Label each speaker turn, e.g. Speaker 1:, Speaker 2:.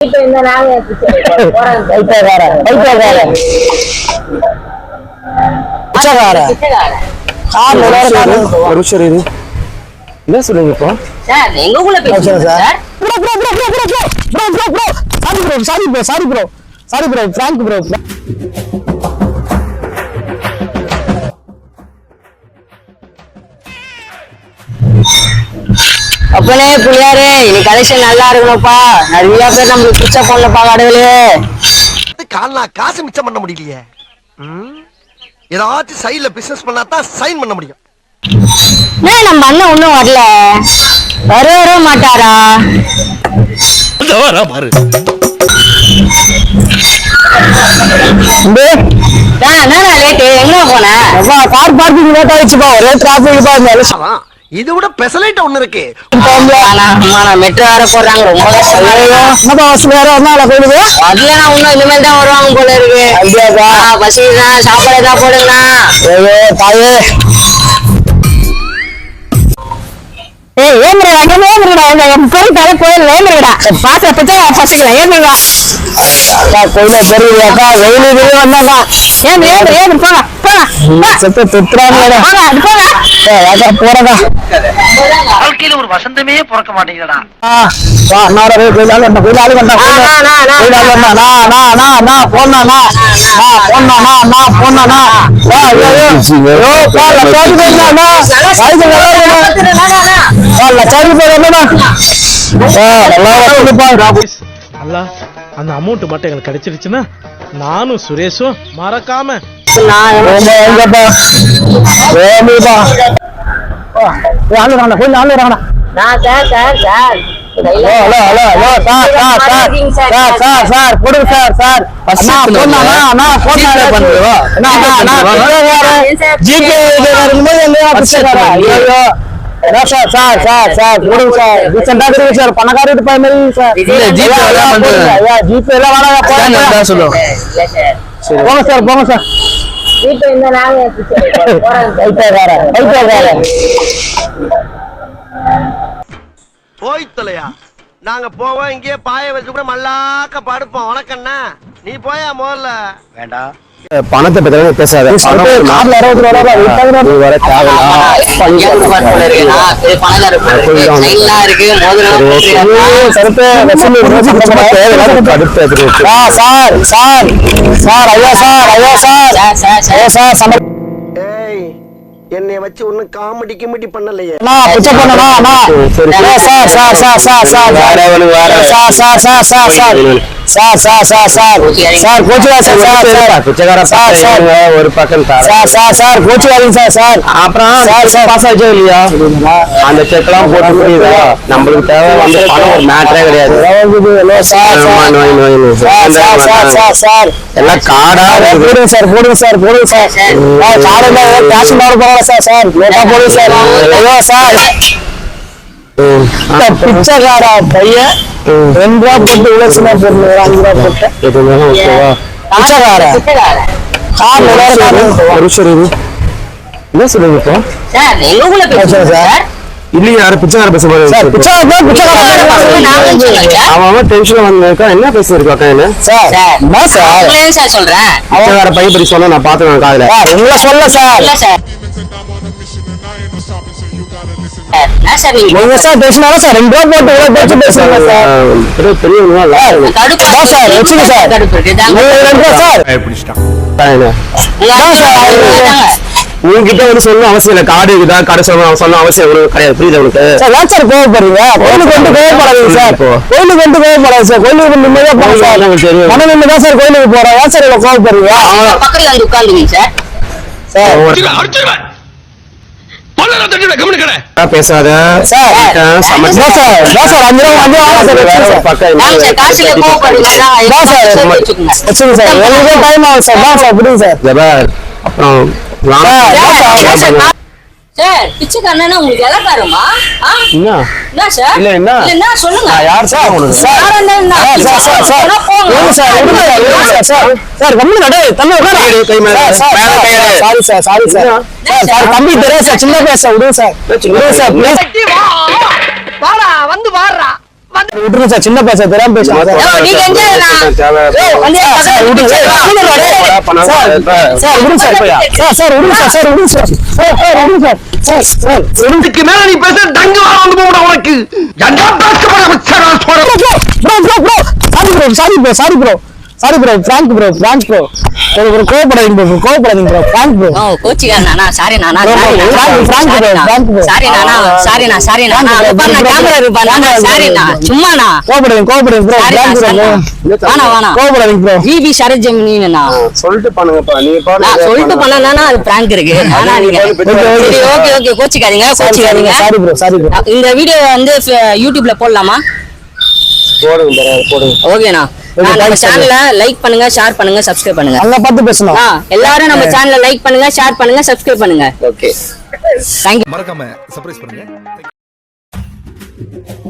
Speaker 1: என்ன சொல்றீங்க இப்போ?
Speaker 2: சார் எங்கக்குள்ள பேசுறீங்க sir.
Speaker 1: Sorry bro prank bro.
Speaker 2: அப்பனே புள்ளியாரே இன்னைக்கு கலெக்ஷன் நல்லா இருக்கணும்ப்பா. நிறைய பேர் நம்மளுக்கு பிச்சை பண்ணலப்பா கடவுளே.
Speaker 3: கால்னா காசு மிச்சம் பண்ண முடியலையே. ஏதாச்சும் சைடுல பிசினஸ் பண்ணா தான் சைன் பண்ண முடியும்.
Speaker 2: நம்ம அண்ணன் ஒண்ணும் வரல, வர மாட்டாரா?
Speaker 3: பாரு
Speaker 2: என்னடா லேட்டு, எங்க போன?
Speaker 1: கார் பார்க்கிங் லேட் ஆயிடுச்சுப்பா, ஒரே டிராபிக்.
Speaker 3: இது விட பெசலைட் ஒண்ணு இருக்கு.
Speaker 2: மெட்ரோ வேற போடுறாங்க, ரொம்ப கஷ்டம். அதுல நான் இன்னும் இனிமேல் தான் வருவாங்க போல இருக்கு. பசி தான், சாப்பாடு ஏதாவது போடுங்கண்ணா.
Speaker 3: வாழ்க்கையில ஒரு வசந்தமே பிறக்க மாட்டேங்குதுடா.
Speaker 4: அந்த அமௌண்ட் மட்டும் எங்களுக்கு கிடைச்சிருச்சுன்னா நானும் சுரேஷும் மறக்காம
Speaker 1: பணக்காரி போங்க சார்.
Speaker 3: போய் தொலையா, நாங்க போவோம். இங்கே பாய வச்சு கூட மல்லாக்க படுப்போம். வணக்கண்ணா, நீ போயா முதல்ல. வேண்டாம்,
Speaker 1: பணத்தை பத்தி பேசாத.
Speaker 3: என்னை வச்சு ஒன்னும் காமெடி கிமெடி பண்ணலையே.
Speaker 1: ஒரு பக்கம் அப்புறம் இல்லையா அந்த செக்லாம் போட்டு புரியுதா? நம்மளுக்கு தேவை வந்து பணம் ஒரு மேட்டரே கிடையாது. எல்லாம் காடா போடுங்க சார், போடுங்க சார், போடுங்க சார். பிச்சைக்கார பையன் 2 ரூபா போட்டு உழைச்சுனா போட்டு 5 ரூபா போட்டு என்ன சொல்லுங்க இப்போ? இல்லையா, யாரு பிச்சைக்கார பேச போறாரு? அவன் டென்ஷன்ல வந்திருக்கா. என்ன பேசிருக்கா?
Speaker 2: சொல்றேன்
Speaker 1: பிச்சைக்கார பையன் பத்தி சொன்னா நான் பாத்துக்கேன் காதுல. உங்களை சொல்ல சார். உங்ககிட்ட வந்து சொல்ல அவசியம் இல்ல. காடு இருக்குதா, கடை சொல்ல அவசியம் கிடையாது. புரியுது உங்களுக்கு? கோவப்படுறீங்க, கோயிலுக்கு வந்து கோவப்படாதீங்க சார். கோயிலுக்கு வந்து கோவப்படாது சார். கோயிலுக்கு நிம்மதியா போங்க சார். மன நிம்மதியா சார் கோயிலுக்கு போறோம். ஏன் சார் கோவப்படுறீங்க?
Speaker 2: பக்கத்துல வந்து உட்கார்ந்துங்க சார்.
Speaker 1: பேசாத சார். அப்புறம்
Speaker 2: பிச்சைக்காரனா உங்களுக்கு எலக்காரமா? என்ன சார்?
Speaker 1: இல்ல என்ன
Speaker 2: என்ன சொல்லுங்க.
Speaker 1: யார் சார் உங்களுக்கு? சார் சார் கம்மி நட தம்பி உட்காரு. கை மேல sorry sir, sorry sir. Sir தம்பி தெரியல சார், சின்ன பேச விடுங்க சார். விடுங்க சார் ப்ளீஸ்.
Speaker 3: வாடா வந்து வாடா.
Speaker 1: விட்டுருங்க சார், சின்ன பைசா தெரியாம பேசுறேன் சார்.
Speaker 2: நீங்க எங்க
Speaker 1: விடுங்க சார், விடுங்க சார், விடுங்க சார்.
Speaker 3: இதுக்கு மேல நீ பேச டங்கு வர வந்து போட உனக்கு என்ன
Speaker 1: சாரி ப்ரோ, பிராங்க் ப்ரோ. ஒரு கோவப்படாதீங்க ப்ரோ, பிராங்க் ப்ரோ.
Speaker 2: கோச்சிக்காரண்ணா, சாரி நானா, சும்மாண்ணா
Speaker 1: கோவப்படாதீங்க ப்ரோ, பிராங்க் ப்ரோ. கோவப்படாதீங்க ப்ரோ.
Speaker 2: ஜிபி சரஜமினா
Speaker 3: சொல்லிட்டு பண்ணுங்கப்பா நீ
Speaker 2: சொல்லிட்டு பண்ணா அது பிராங்க் இருக்கு. ஆனா நீங்க சரி, ஓகே கோச்சிக்காதீங்க.
Speaker 1: Sorry bro.
Speaker 2: இந்த வீடியோ வந்து யூடியூப்ல போடலாமா?
Speaker 3: போடுங்க
Speaker 2: ஓகேண்ணா. நம்ம சேனலை லைக் பண்ணுங்க, ஷேர் பண்ணுங்க, சப்ஸ்கிரைப் பண்ணுங்க.
Speaker 1: அங்க பார்த்து பேசணும்.
Speaker 2: எல்லாரும் நம்ம சேனலை லைக் பண்ணுங்க, ஷேர் பண்ணுங்க, சப்ஸ்கிரைப் பண்ணுங்க.
Speaker 3: Okay
Speaker 2: thank you.
Speaker 5: மறக்காம சர்ப்ரைஸ் பண்ணுங்க.